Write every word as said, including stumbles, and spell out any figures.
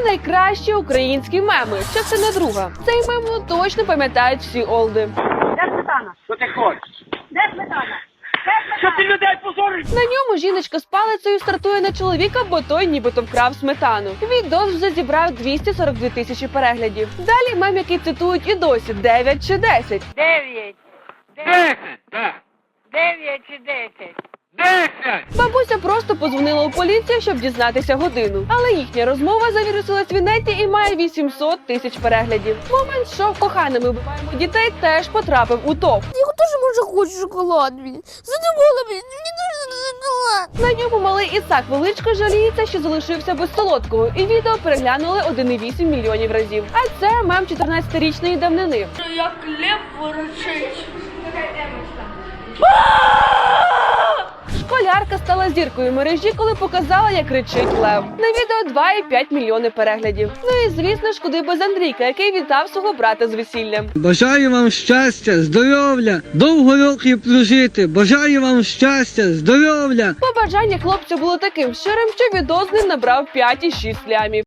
найкращі українські меми. Частина друга. Цей мем ну, точно пам'ятають всі олди. Де сметана? Що ти хочеш? Де сметана? Що ти людей позориш? На ньому жіночка з палицею стартує на чоловіка, бо той нібито вкрав сметану. Відос вже зібрав двісті сорок дві тисячі переглядів. Далі мем, який цитують і досі, дев'ять чи десять. Дев'ять. Десять, так. Дев'ять чи десять. Десять! Бабуся просто подзвонила у поліцію, щоб дізнатися годину. Але їхня розмова завірусилась в інеті і має вісімсот тисяч переглядів. Момент, що коханими вбиваємо дітей, теж потрапив у топ. Я теж може хочу шоколад. Задумала, мені дуже шоколад. На ньому малий Ісак Величко жаліється, що залишився без солодкого, і відео переглянули один цілих вісім мільйонів разів. А це мем чотирнадцятирічної давнини. Як лев ворочить. Школярка стала зіркою мережі, коли показала, як кричить лев. На відео два цілих п'ять мільйони переглядів. Ну і звісно ж, куди без Андрійка, який вітав свого брата з весіллям. Бажаю вам щастя, здоров'я, довго років прожити. Бажаю вам щастя, здоров'я. Побажання хлопця було таким щирим, що відео з ним набрав п'ять і шість лямів.